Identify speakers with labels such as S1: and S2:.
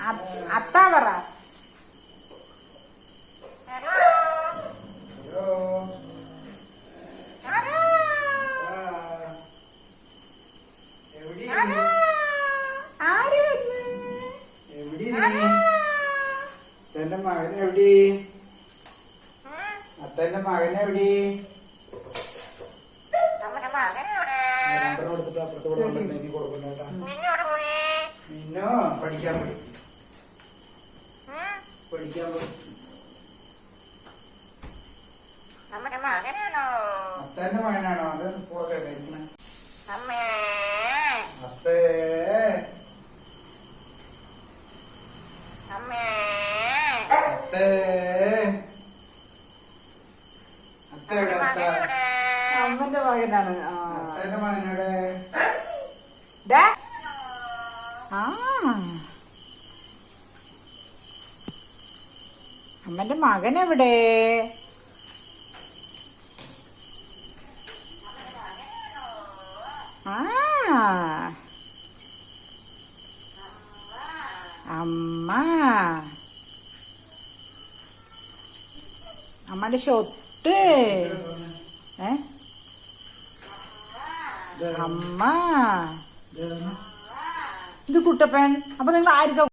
S1: അത്ത പറ. ആര് വന്ന്?
S2: അത്തന്റെ മകനെവിടെ? അത്തന്റെ മകനെവിടെ? കൊടുത്തിട്ട് അപ്പുറത്ത് കൊടുക്കണ്ട, കൊടുക്കണ്ട. മിന്നോ പഠിക്കാൻ പോയി. പഠിക്കാൻ പോയി. അത്തന്റെ മകനാണോ? അത് പോകട്ടെ. അത്തേ അത്തേ അത്തയുടെ
S1: അമ്മന്റെ മകനാണ്.
S2: അത്തന്റെ മകനോടെ
S1: അമ്മന്റെ മകനെവിടെ? അമ്മ അമ്മയുടെ ഷൊട്ട്. അമ്മ ഇത് കുട്ടപ്പൻ. അപ്പൊ നിങ്ങൾ ആർക്കാ